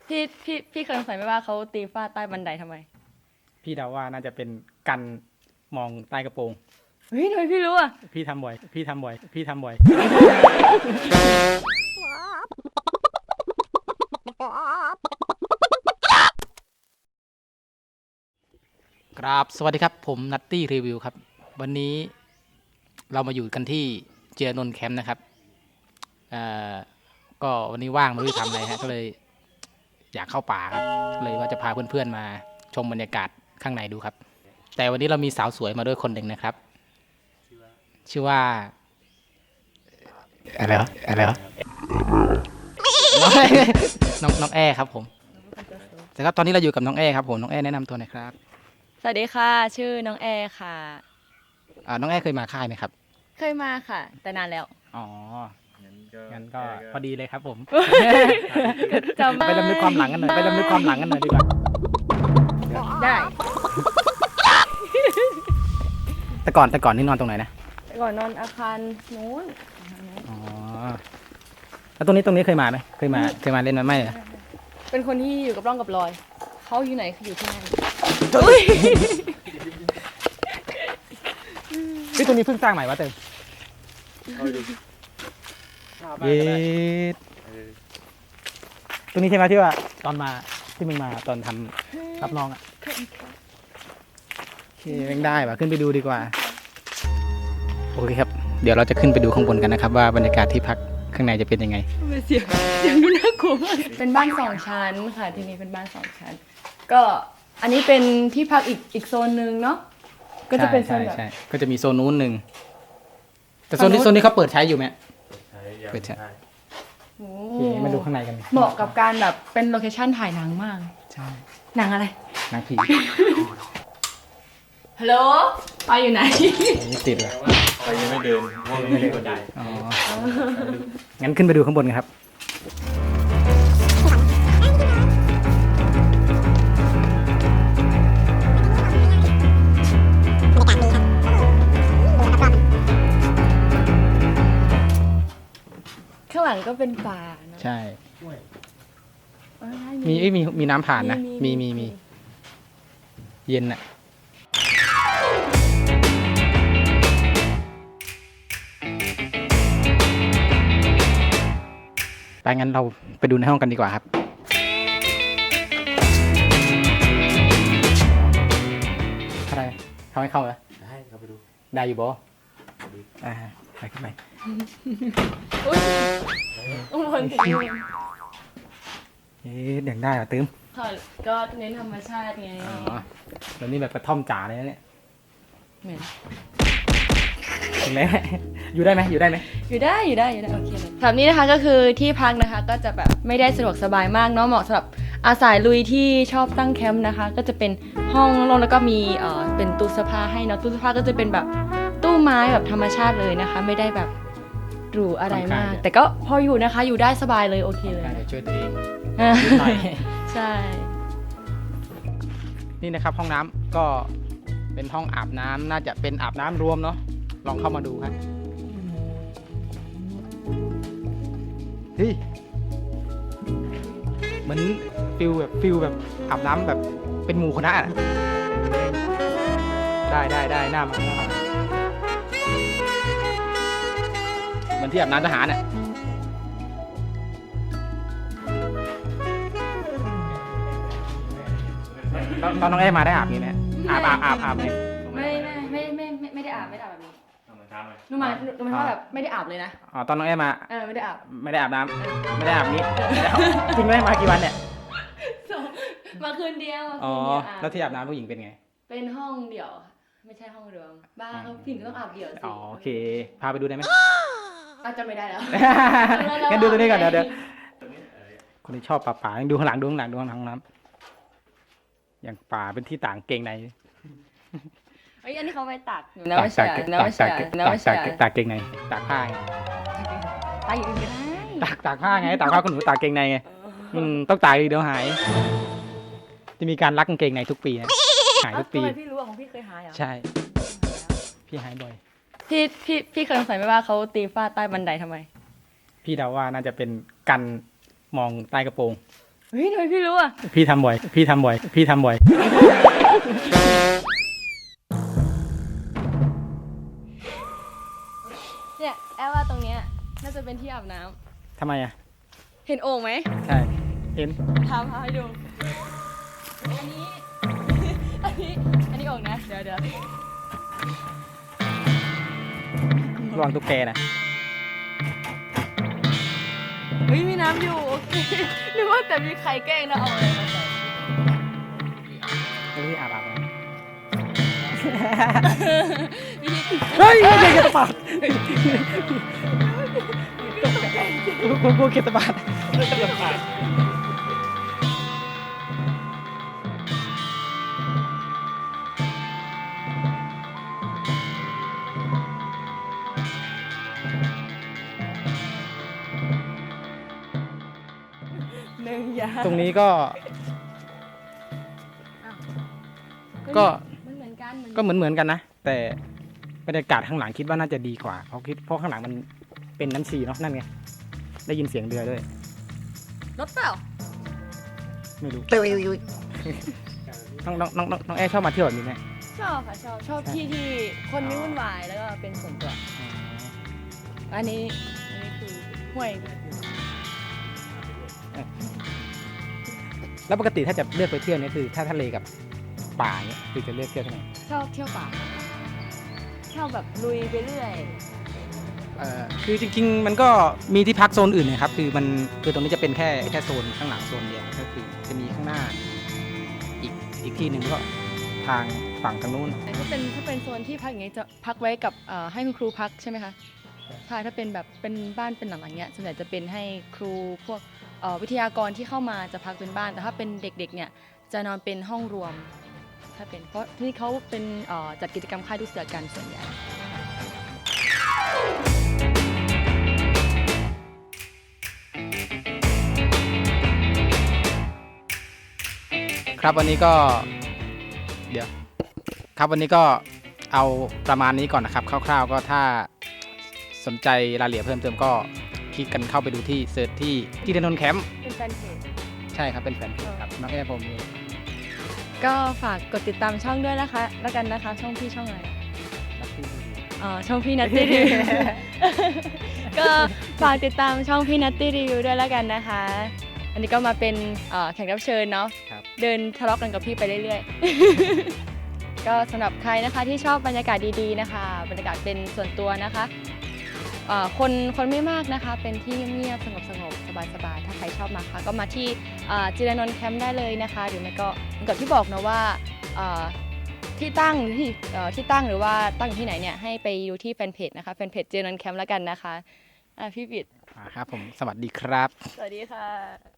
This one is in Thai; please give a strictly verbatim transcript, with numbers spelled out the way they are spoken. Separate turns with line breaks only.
พี่พี่พี่เคยสงสัยไหมว่าเขาตีฝ้าใต้บันไดทำไม
พี่เดาว่าน่าจะเป็นกันมองใต้กระโปรง
เฮ้ยทำไมพี่รู้อ่ะ
พี่ทำบ่อย พี่ทำบ่อย พี่ทำบ่อย ครับสวัสดีครับผมนัตตี้รีวิวครับวันนี้เรามาอยู่กันที่เจียนนท์แคมป์นะครับเอ่อก็วันนี้ว่างไม่รู้จะทำอะไรฮะก็เลยอยากเข้าป่าครับเลยว่าจะพาเพื่อนๆมาชมบรรยากาศข้างในดูครับแต่วันนี้เรามีสาวสวยมาด้วยคนหนึ่งนะครับชื่อว่าอะไรวะอะไรวะน้องน้องแอครับผมแต่ครับตอนนี้เราอยู่กับน้องแอครับผมน้องแอแนะนำตัวหน่อยครับ
สวัสดีค่ะชื่อน้องแอร์ค่ะ
อ่าน้องแอเคยมาค่ายไหมครับ
เคยมาค่ะ แต่นานแล้ว
อ๋องั้นก็พอดีเลยครับผม
จำ
ไปรำลึกความหลังกันหน่อยไปรำลึกความหลังกันหน่อยดีกว่า
ได้
แต่ก่อนแต่ก่อนนี่นอนตรงไหนนะ
แต่ก่อนนอนอาคารนู้น
อ๋อแล้วตรงนี้ตรงนี้เคยมาไหมเคยมาเคยมาเล่นไหมไม่เหรอ
เป็นคนที่อยู่กับร่องกับรอยเขาอยู่ไหนคืออยู่ที่นั่น
ที่ตรงนี้เพิ่งสร้างใหม่วะเติมเย็ดตรงนี้ใช่ไหมที่ว่าตอนมาที่มึงมาตอนทำรับน้องอ่ะโอเคแม่งได้ป่ะขึ้นไปดูดีกว่าโอเคครับเดี๋ยวเราจะขึ้นไปดูข้างบนกันนะครับว่าบรรยากาศที่พักข้างในจะเป็นยังไง
เสียงเสียงดูน่ากลัวมากเป็นบ้านสองชั้นค่ะที่นี่เป็นบ้านสองชั้นก็อันนี้เป็นที่พักอีกอีกโซนหนึ่งเนาะก็จะเป็นโซนแบบ
ใช่ก็จะมีโซนนู้นหนึ่งแต่โซนนี้โซนนี้เขาเปิดใช้อยู่ไหมเปิดใช้
โอ้
โอเคมาดูข้างในกัน
เหมาะกับการแบบเป็นโลเคชั่นถ่ายหนังมาก
ใช่
หนังอะไร
หนังผี
ฮัลโหลไปอยู่ไหน
นี่ติดเลย
ไปยังไม่เดินเพราะไม่ได้กดดัน
อ๋องั้นขึ้นไปดูข้างบนกันครับ
ข้างหลังก็เป็นป่าเนอะ
ใช่
เอ้ย
มีเอ้ยมีมีน้ำผ่านนะ
มี
มี
มี
มีมีเย็นอ่ะไปงั้นเราไปดูในห้องกันดีกว่าครับอะไรเขาให้เข้าเหรอ
ได้ครับไปดู
ได้อยู่บ่อ่าไปขึ้นไป
อุ้ยต้องบนติดอยู่
เอ๊ะเดี๋ยวได้เหรอตื้ม
ค่ะก็เน้นธรรมชาติไง
อ๋อแล้วนี่แบบกระท่อมจ๋าเลยนะเนี่ย
เหมือน
ถึงแล้วอยู่ได้ไหมอยู่ได้ไหม
อยู่ได้อยู่ได้อยู่ได้โอเคเลยแบบนี้นะคะก็คือที่พักนะคะก็จะแบบไม่ได้สะดวกสบายมากเนาะเหมาะสำหรับอาสายลุยที่ชอบตั้งแคมป์นะคะ ก็จะเป็นห้องโล่งๆแล้วก็มีเอ่อเป็นตู้เสื้อผ้าให้เนาะตู้เสื้อผ้าก็จะเป็นแบบตู้ไม้แบบธรรมชาติเลยนะคะ ไม่ได้แบบหรูอะไรมาก แต่ก็พออยู่นะคะอยู่ได้สบายเลยโอเคเลย
ได้เดี๋ยวช่วยตัวเอง
อ่ะ
นิดหน่อย
ใช่
นี่นะครับห้องน้ำก็เป็นห้องอาบน้ำน่าจะเป็นอาบน้ำรวมเนาะลองเข้ามาดูครับเฮ้ยเหมือนฟิลแบบฟิลแบบอาบน้ำแบบเป็นหมู่คณะอะได้ได้ได้หน้ามาหน้ามาเหมือนที่อาบน้ำทหารอ่ะตอนตอนน้องแอมาได้อาบนี้ไหมอาบอาบอาบอาบเนี่ย
ไม่ไม่ไม่ไม่ไม่ไม่ได้อาบไม่ได้อาบแบบนี้
ทำมาช้าไหม
หนูมาหนูมาว่าแบบไม่ได้อาบเลยนะ
อ๋อตอนน้องแอมา
เออไม่ได้อาบ
ไม่ได้อาบน้ำไม่ได้อาบนี้ไม่ได้อาบจริงไหมมากี่วันเนี่ย
มาคืนเดียวมา
อ๋อ
คืนเดียวอาบ
แล้วที่อาบน้ำผู้หญิงเป็นไง
เป็นห้องเดี่ยว ไม่ใช่ห้องรวมบ้าเขาผิดต้องอาบเดี่ยวสิ
อ๋อโอเค พาไปดูได้ไหม
อาจจะไม่ได้แล้ว
งั้นดูตัวนี้ก่อนเดี๋ยวเดี๋ยวคนที่ชอบป่าป่าดูข้างหลังดูข้างหลังดูข้างหลังห้องน้ำอย่างป่าเป็นที่ต่างเกงใน
เอ้ยอันนี้เขาไปตักหนู
ตา
น้ำ
ก
ไม่
ตา
ใช่
ก
น้ำไม่ใช่
ตาก
น้ำไม่
ตา
ใช่
กตากเกงในตากผ้าไง
ตากอย่างอื่นก็ได้
ตากตากผ้าไงตากผ้าคนหนูตากเกงในไงอืมต้องตากดีเดี๋ยวหาย จะมีการรักกางเกงในทุกปีนะหายทุกปี
ทำไมพี่รู้ว่าของพี่เคยหายเหรอ
ใช่ พี่หายบ่อย
พี่พี่พี่เคยสงสัยไหมว่าเขาตีฝ้าใต้บันไดทำไม
พี่เดาว่าน่าจะเป็นกันมองใต้กระโปรง
เฮ้ฮ้ยทำไมพี่รู้อ่ะ
พี่ทำบ่อย พี่ทำบ่อย พี่ทำบ่อย
เนี่ยแอบว่าตรงเนี้ยน่าจะเป็นที่อาบน้ำ
ทำไมอ่ะ
เห็นโอ่งไหม
ใช่ เห็น
ทำให้ดู อันนี้ อันนี้ อันนี้โอ่งนะ เดี๋ยวเดี๋ยว
ระวังตุ๊กแกนะ
เฮ้ยมีน้ำอยู่ โอเคนึกว่าแต่มีใครแกล้งนะเอาอะไรมาใส่
แล้วพี่อาบอาบนะ
วิธี
เฮ้ยเก็บตะปาดกูกูเก็บตะปาด
หนึ่งอย่าง
ตรงนี้ก็
อ้าว
ก็
มันเหมือนกัน
ก็เหมือนเหมือนกันนะ แต่บรรยากาศข้างหลังคิดว่าน่าจะดีกว่า เพราะคิดเพราะข้างหลังมันเป็นน้ำชีเนาะนั่นไง ได้ยินเสียงเรือด้วย
รถเปล่า
ไม่รู้น้องน้องน้องน้องน้องแอร์ชอบมาเที่ยวแบบนี้ไหม
ชอบค่ะชอบ ชอบที่ที่คนไม่วุ่นวายแล้วก็เป็นส่วนตัว อันนี้ อันนี้คือห้วย
แล้วปกติถ้าจะเลือกไปเที่ยวเนี่ยคือถ้าทะเลกับป่าเนี่ยคือจะเลือกเที่ยวที่ไหน
ชอบเที่ยวป่าชอบแบบลุยไปเรื่อย
เอ่อคือจริงๆ มันก็มีที่พักโซนอื่นนะครับ คือมันคือตรงนี้จะเป็นแค่แค่โซนข้างหลังโซนเดียวก็คือจะมีข้างหน้าอีกอีกที่หนึ่งก็ทางฝั่งทางนู้น
แต่ถ้าเป็นถ้าเป็นโซนที่พักอย่างเงี้ยจะพักไว้กับเอ่อให้คุณครูพักใช่ไหมคะใช่ถ้าเป็นแบบเป็นบ้านเป็นหลังอย่างเงี้ยส่วนใหญ่จะเป็นให้ครูพวกเอ่อวิทยากรที่เข้ามาจะพักเป็นบ้าน แต่ถ้าเป็นเด็กๆเนี่ยจะนอนเป็นห้องรวม ถ้าเป็นเพราะที่นี่เขาเป็นเอ่อจัดกิจกรรมค่ายลูกเสือกันส่วนใหญ่
ครับวันนี้ก็เดี๋ยวครับวันนี้ก็เอาประมาณนี้ก่อนนะครับคร่าวๆก็ถ้าสนใจรายละเอียดเพิ่มเติมก็คลิกกันเข้าไปดูที่เซิร์ชที่ที่ถนนแคมป์
เป็นแฟนเพจ
ใช่ครับเป็นแฟนเพจครับน้องแอร์ผมเอง
ก็ฝากกดติดตามช่องด้วยนะคะแล้วกันนะคะช่องพี่ช่องอะไรอ๋อช่องพี่นัตตี้รีวิว ก็ฝากติดตามช่องพี่นัตตี้รีวิวด้วยแล้วกันนะคะ อันนี้ก็มาเป็นเอ่อแขกรับเชิญเนาะ
ครับ
เดินทะเลาะกันกับพี่ไปเรื่อยๆ ก็สำหรับใครนะคะที่ชอบบรรยากาศดีๆนะคะบรรยากาศเป็นส่วนตัวนะคะเอ่อคนคนไม่มากนะคะเป็นที่เงียบๆสงบๆสบายๆถ้าใครชอบมาค่ะก็มาที่เอ่อจิรานนท์แคมป์ได้เลยนะคะหรือไม่ก็เหมือนกับที่บอกนะว่าเอ่อที่ตั้งที่เอ่อที่ตั้งหรือว่าตั้งอยู่ที่ไหนเนี่ยให้ไปดูที่แฟนเพจนะคะแฟนเพจจิรานนท์แคมป์แล้วกันนะคะอ่ะพี่บิด
อ่าครับผมสวัสดีครับ
สวัสดีค่ะ